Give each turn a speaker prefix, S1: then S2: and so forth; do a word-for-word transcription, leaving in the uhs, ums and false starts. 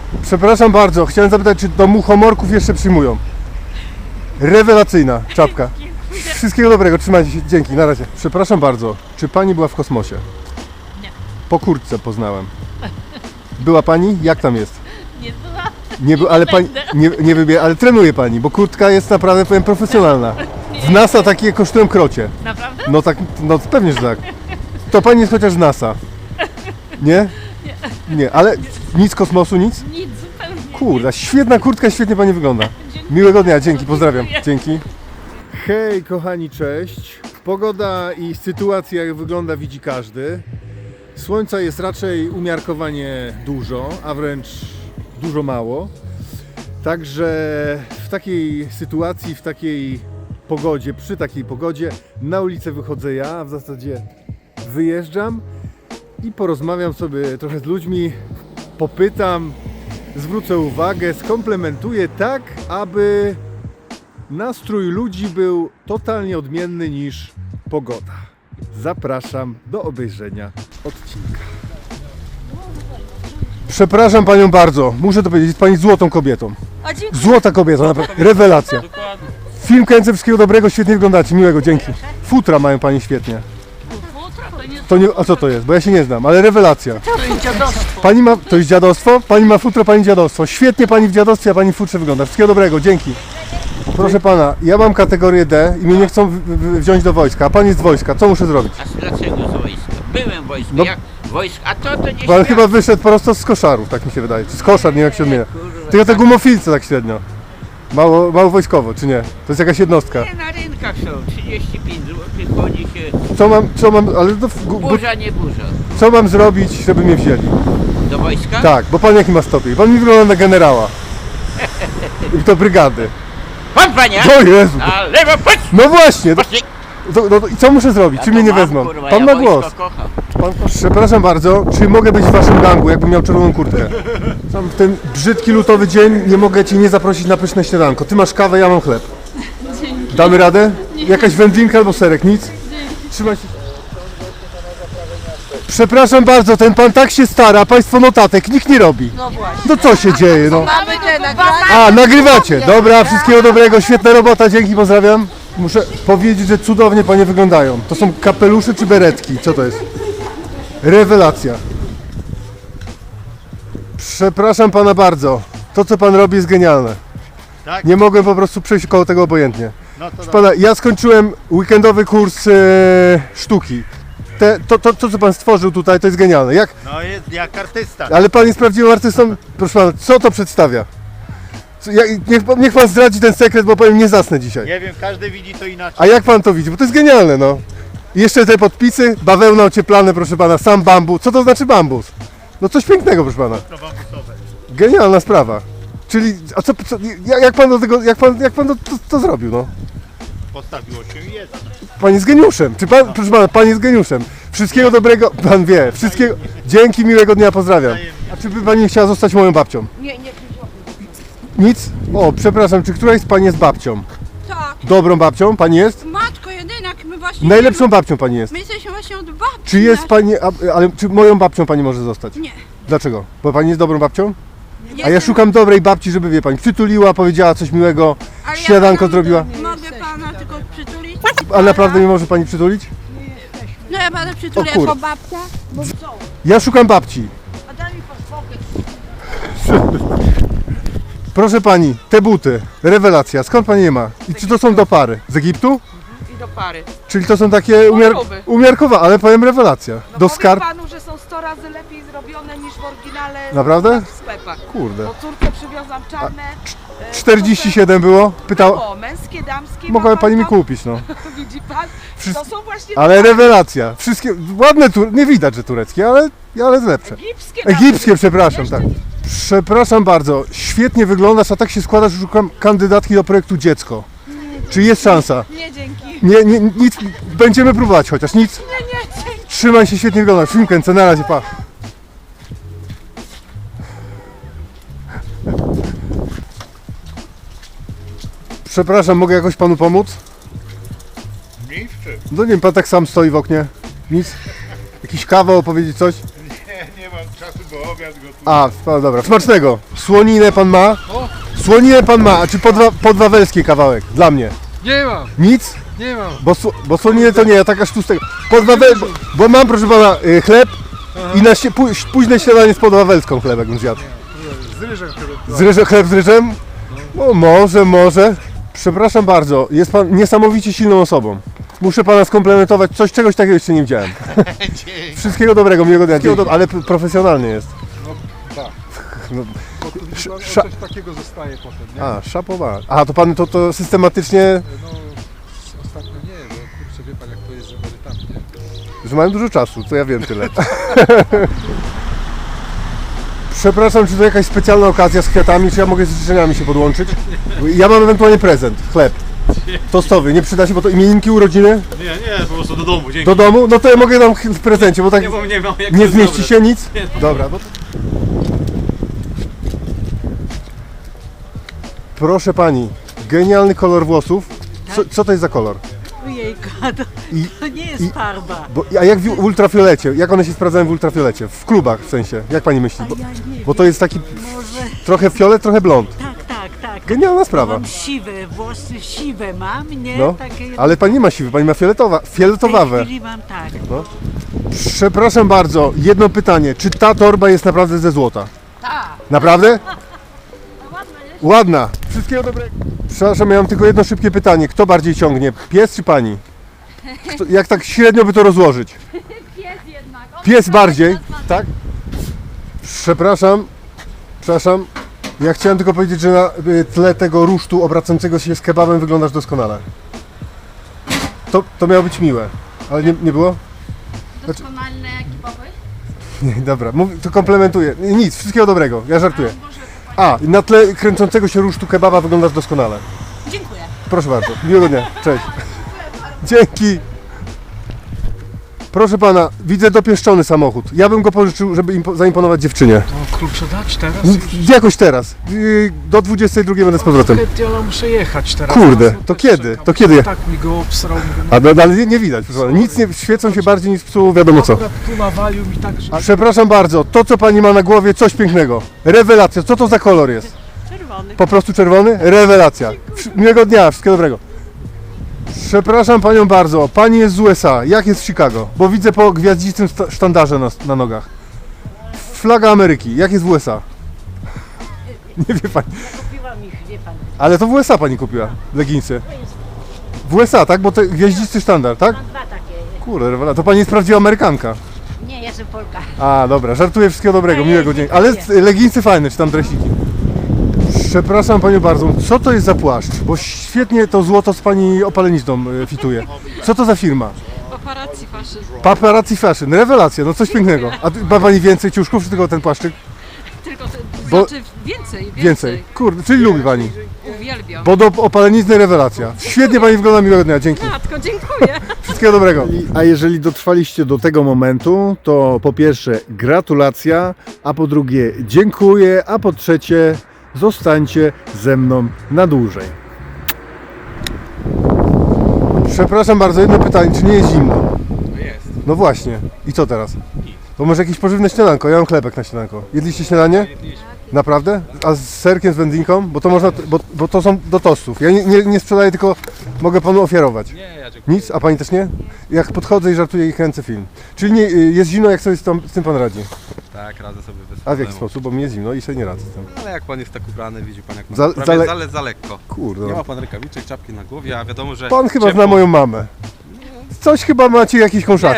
S1: Przepraszam bardzo, chciałem zapytać, czy do muchomorków jeszcze przyjmują? Rewelacyjna czapka. Wszystkiego dobrego, trzymajcie się, dzięki, na razie. Przepraszam bardzo, czy pani była w kosmosie?
S2: Nie.
S1: Po kurtce poznałem. Była pani? Jak tam jest?
S2: Nie była.
S1: Nie, by, ale pani nie, nie wybie, ale trenuje pani, bo kurtka jest naprawdę, powiem, profesjonalna. W NASA takie kosztują krocie.
S2: Naprawdę?
S1: No tak, no pewnie, że tak. To pani jest chociaż z NASA. Nie? Nie, ale nic kosmosu, nic?
S2: Nic zupełnie.
S1: Kurde, świetna kurtka, świetnie pani wygląda.
S2: Dziękuję.
S1: Miłego dnia, dzięki, pozdrawiam.
S2: Dziękuję.
S1: Dzięki. Hej kochani, cześć. Pogoda i sytuacja jak wygląda widzi każdy. Słońca jest raczej umiarkowanie dużo, a wręcz dużo mało. Także w takiej sytuacji, w takiej pogodzie, przy takiej pogodzie na ulicę wychodzę ja, a w zasadzie wyjeżdżam i porozmawiam sobie trochę z ludźmi, popytam, zwrócę uwagę, skomplementuję tak, aby nastrój ludzi był totalnie odmienny niż pogoda. Zapraszam do obejrzenia odcinka. Przepraszam panią bardzo, muszę to powiedzieć, jest pani złotą kobietą.
S2: A dziękuję.
S1: Złota kobieta, naprawdę, rewelacja. Film kręcę, wszystkiego dobrego, świetnie wyglądacie, miłego, dzięki. Futra mają pani świetnie.
S2: Futra to nie
S1: To nie, a co to jest? Bo ja się nie znam, ale rewelacja.
S2: to jest dziadostwo.
S1: Pani ma, to jest dziadostwo? Pani ma futro, pani dziadostwo. Świetnie pani w dziadostwie, a pani w futrze wygląda. Wszystkiego dobrego, dzięki. Proszę pana, ja mam kategorię D i mnie nie chcą w, w, wziąć do wojska, a pan jest z wojska. Co muszę zrobić?
S3: A dlaczego z wojska? Byłem w wojsku,
S1: No.
S3: jak wojsk, a to to nie
S1: Pan
S3: świat.
S1: chyba wyszedł prosto z koszarów, tak mi się wydaje. Czy z koszar, nie wiem jak się odmienia. Tylko te gumofilce tak średnio. Mało, mało wojskowo, czy nie? To jest jakaś jednostka.
S3: Nie, na rynkach są, trzydzieści pięć złotych, chodzi się,
S1: Co mam, co mam, ale to, w- gu-
S3: burza, nie burza.
S1: co mam zrobić, żeby mnie wzięli?
S3: Do wojska?
S1: Tak, bo pan jaki ma stopień? Pan mi wygląda na generała. I to brygady.
S3: Pan panie!
S1: O Jezu!
S3: Na lewo, patrz!
S1: No właśnie! To,
S3: Patrz,
S1: to, no, I co muszę zrobić? Czy mnie nie wezmą?
S3: Kurwa,
S1: Pan
S3: ja
S1: ma
S3: wojsko
S1: głos.
S3: kocham.
S1: Pan, przepraszam bardzo, czy mogę być w waszym gangu, jakbym miał czerwoną kurtkę? Sam w ten brzydki lutowy dzień nie mogę cię nie zaprosić na pyszne śniadanko. Ty masz kawę, ja mam chleb. Damy radę? Jakaś wędlinka albo serek? Nic? Trzymaj się. Przepraszam bardzo, ten pan tak się stara, a państwo notatek nikt nie robi.
S4: No właśnie.
S1: No co się dzieje, no?
S4: Mamy te nagrania.
S1: A, nagrywacie. Dobra, wszystkiego dobrego, świetna robota, dzięki, pozdrawiam. Muszę powiedzieć, że cudownie panie wyglądają. To są kapelusze czy beretki? Co to jest? Rewelacja. Przepraszam pana bardzo. To co pan robi jest genialne.
S5: Tak?
S1: Nie mogłem po prostu przejść koło tego obojętnie.
S5: No to
S1: Proszę pana, ja skończyłem weekendowy kurs e, sztuki. Te, to, to, to co pan stworzył tutaj to jest genialne. Jak,
S5: no jest jak artysta.
S1: ale pan jest prawdziwym artystą. Proszę pana, co to przedstawia? Co, ja, niech, pan- niech pan zdradzi ten sekret, bo powiem nie zasnę dzisiaj.
S5: Nie wiem, każdy widzi to inaczej.
S1: A jak pan to widzi? Bo to jest genialne, no. I jeszcze te podpisy, bawełna ocieplane, proszę pana, sam bambus. Co to znaczy bambus? No coś pięknego, proszę pana.
S5: To bambusowe.
S1: Genialna sprawa. Czyli, a co, co jak, jak pan do tego, jak pan, jak pan to, to, to zrobił, no?
S5: Postawiło się i jest.
S1: Pan jest geniuszem. Czy pan, proszę pana, pan jest geniuszem. Wszystkiego dobrego, pan wie. Wszystkiego, dzięki, miłego dnia, pozdrawiam. A czy by pani chciała zostać moją babcią?
S4: Nie, nie.
S1: Nic? O, przepraszam, czy któraś z pani jest babcią?
S4: Tak.
S1: Dobrą babcią pani jest?
S4: Matko jedynak, my właśnie...
S1: Najlepszą babcią pani jest.
S4: My jesteśmy właśnie od babci.
S1: Czy jest
S4: naszej.
S1: pani, a- ale czy moją babcią pani może zostać?
S4: Nie.
S1: Dlaczego? Bo pani jest dobrą babcią? A ja
S4: Jestem-
S1: szukam dobrej babci, żeby wie pani, przytuliła, powiedziała coś miłego,
S4: Ale ja
S1: śniadanko
S4: pana-
S1: zrobiła.
S4: Mogę pana tylko przytulić?
S1: A naprawdę nie może pani przytulić?
S4: No ja pana przytulę
S1: O kur-
S4: jako babcia. Bo co?
S1: Ja szukam babci.
S4: A daj mi podpokój.
S1: Proszę pani, te buty, rewelacja, skąd pani je ma? I czy to są do pary? Z Egiptu?
S6: I do pary.
S1: Czyli to są takie umiar
S6: Choroby.
S1: umiarkowane, ale powiem rewelacja.
S6: No
S1: Do
S6: powiem
S1: skarb?
S6: panu, że są sto razy lepiej zrobione niż w oryginale
S1: Naprawdę?
S6: w sklepach.
S1: Kurde.
S6: Bo córkę przywiozłam czarne. e,
S1: czterdzieści siedem było? Pytał.
S6: O, męskie, damskie. ma
S1: Mogła
S6: pan
S1: pani mi
S6: to?
S1: kupić, no.
S6: Widzi pan?
S1: Wszystko-
S6: To są właśnie
S1: Ale rewelacja. Wszystkie ładne, tur... nie widać, że tureckie, ale, ale lepsze.
S6: egipskie. nawet.
S1: Egipskie, przepraszam,
S6: Jeszcze
S1: tak. Przepraszam bardzo, świetnie wyglądasz, a tak się składa, że szukam kandydatki do projektu Dziecko. Czy jest szansa?
S6: Nie, dzięki.
S1: Nie, nie, nic, będziemy próbować chociaż, nic.
S6: Nie, nie, dzięki.
S1: Trzymaj się, świetnie wyglądasz, film kręcę, na razie, pa. Przepraszam, mogę jakoś panu pomóc?
S5: Nic w czym?
S1: No nie wiem, pan tak sam stoi w oknie. Nic? Jakiś kawał opowiedzieć coś?
S5: Nie, nie ma mam czasu, bo obiad gotuję.
S1: A, no dobra, smacznego. Słoninę pan ma? Słoninę pan ma, a czy podwa, podwawelski kawałek? Dla mnie.
S7: Nie mam,
S1: Nic?
S7: nie mam.
S1: Bo, sło- bo słoninę to nie, ja tak aż tłustego. Podwawel, bo, bo mam, proszę pana, y, chleb i na sie, pó- późne śniadanie z podwawelską chlebek bym zjadł.
S7: Z ryżem chyba.
S1: Z ryżem, chleb z ryżem? No może, może. Przepraszam bardzo, jest pan niesamowicie silną osobą. Muszę pana skomplementować, coś czegoś takiego jeszcze nie widziałem. Wszystkiego dobrego, miłego dnia. Wszystkiego do... Ale p- profesjonalnie jest.
S7: No tak.
S1: No,
S7: Bo tu
S1: Sz-
S7: chyba
S1: sza-
S7: coś takiego zostaje potem, nie?
S1: a, szapowa. A, to pan to, to systematycznie,
S7: No s- ostatnio nie, bo kurczę wie pan jak to jest z emerytami, nie?
S1: że mają dużo czasu, to ja wiem tyle. Przepraszam, czy to jakaś specjalna okazja z kwiatami, czy ja mogę z życzeniami się podłączyć? Ja mam ewentualnie prezent, chleb. Tostowy, nie przyda się, bo to imieninki, urodziny?
S8: Nie, nie, po prostu do domu, dzięki.
S1: Do domu? No to ja mogę dam w prezencie, bo tak
S8: Nie, bo nie mam jak
S1: nie
S8: to
S1: zmieści
S8: zabrać.
S1: się nic? Dobra. No to... Proszę pani, genialny kolor włosów. Co, co to jest za kolor?
S9: Ojejka, to,
S1: I,
S9: to nie jest
S1: i-
S9: farba.
S1: bo, a jak w ultrafiolecie? Jak one się sprawdzają w ultrafiolecie? W klubach w sensie, jak pani myśli? Bo,
S9: Ja nie
S1: bo to jest taki
S9: Może.
S1: trochę fiolet, trochę blond.
S9: Tak, tak, tak.
S1: Genialna sprawa.
S9: Mam siwe, włosy siwe mam, nie?
S1: No,
S9: Takie,
S1: ale pani nie ma siwy, pani ma fioletowa,
S9: w tej
S1: fioletowawe.
S9: chwili mam tak.
S1: Przepraszam bardzo, jedno pytanie. Czy ta torba jest naprawdę ze złota?
S4: Tak.
S1: Naprawdę? Ładna. Wszystkiego dobrego. Przepraszam, ja mam tylko jedno szybkie pytanie. Kto bardziej ciągnie? Pies czy pani? Kto, jak tak średnio by to rozłożyć?
S2: Pies jednak. On
S1: Pies bardziej, tak? Przepraszam, przepraszam. Ja chciałem tylko powiedzieć, że na y, tle tego rusztu obracającego się z kebabem wyglądasz doskonale. To, to miało być miłe, ale nie, nie było?
S2: doskonalny ekipowy.
S1: Nie, dobra, mów, to komplementuję. Nic, wszystkiego dobrego, ja żartuję. A, na tle kręcącego się rusztu kebaba wyglądasz doskonale.
S4: Dziękuję.
S1: Proszę bardzo, miłego dnia, cześć. Dzięki. Proszę pana, widzę dopieszczony samochód. Ja bym go pożyczył, żeby impo- zaimponować dziewczynie.
S7: No klucze dać teraz?
S1: Z- Jakoś teraz. Yy, Do dwudziestej drugiej będę z powrotem.
S7: Chętnie, ale muszę jechać teraz.
S1: Kurde,
S7: Zaraz, no
S1: to
S7: też
S1: kiedy?
S7: czekam.
S1: To kiedy?
S7: Tak mi go obsrał. Mówię, no,
S1: A no, ale nie, nie widać, proszę pana. Nic nie, świecą się bardziej niż psuło wiadomo co.
S7: akurat tu nawalił mi tak, że...
S1: Przepraszam bardzo, to co pani ma na głowie, coś pięknego. Rewelacja, co to za kolor jest?
S9: Czerwony.
S1: Po prostu czerwony? Rewelacja. Wsz- Miłego dnia, wszystkiego dobrego. Przepraszam panią bardzo, pani jest z U S A, jak jest w Chicago? Bo widzę po gwiaździstym sta- sztandarze na, na nogach. Flaga Ameryki, jak jest w U S A? Nie wie pani.
S9: Kupiłam ich, wie pan.
S1: Ale to w U S A pani kupiła, leginsy. W U S A, tak? Bo to gwiaździsty sztandar, tak?
S9: Mam dwa takie.
S1: Kurde, rewelacja. To pani jest prawdziwa Amerykanka.
S9: Nie, jestem Polka.
S1: A, dobra, żartuję, wszystkiego dobrego,
S9: A,
S1: miłego
S9: jest,
S1: dnia. Ale
S9: dziękuję.
S1: leginsy fajne, czy tam dresiki. Przepraszam panią bardzo, co to jest za płaszcz? Bo świetnie to złoto z pani opalenizną y, fituje. Co to za firma?
S2: Paparazzi faszyzm.
S1: Paparazzi Fashion, rewelacja, no coś pięknego. A tu- ma pani więcej ciuszków, czy tylko ten płaszczyk?
S2: Tylko to
S1: Bo-
S2: znaczy więcej, więcej.
S1: Więcej. Kurde, czyli lubi pani.
S2: Uwielbiam.
S1: Bo do opalenizny rewelacja. Świetnie pani wygląda, miłego dnia, dzięki.
S2: Matko, dziękuję.
S1: Wszystkiego dobrego.
S10: A jeżeli dotrwaliście do tego momentu, to po pierwsze gratulacja, a po drugie dziękuję, a po trzecie zostańcie ze mną na dłużej.
S1: Przepraszam bardzo, jedno pytanie, czy nie jest zimno?
S8: Jest.
S1: No właśnie. I co teraz? To może jakieś pożywne śniadanko, ja mam chlebek na śniadanko. Jedliście śniadanie? Naprawdę? A z serkiem, z wędlinką? Bo to można, bo, bo to są do tostów. Ja nie, nie, nie sprzedaję, tylko mogę panu ofiarować.
S8: Nie, ja dziękuję.
S1: Nic? A pani też nie? Jak podchodzę i żartuję i kręcę film. Czyli nie, y, jest zimno, jak sobie z, tą, z tym pan radzi?
S8: Tak, radzę sobie bez
S1: A w jaki
S8: problemu.
S1: sposób? Bo mi jest zimno i sobie nie radzę z tym.
S8: Ale jak pan jest tak ubrany, widzi pan jak pan
S1: Za-
S8: za, prawie
S1: za le-
S8: za, le, za lekko.
S1: Kurde.
S8: Nie
S1: no.
S8: ma pan rękawiczek, czapki na głowie, a wiadomo, że
S1: Pan chyba
S8: ciepło.
S1: zna moją mamę. Coś chyba macie jakieś kąszaczki.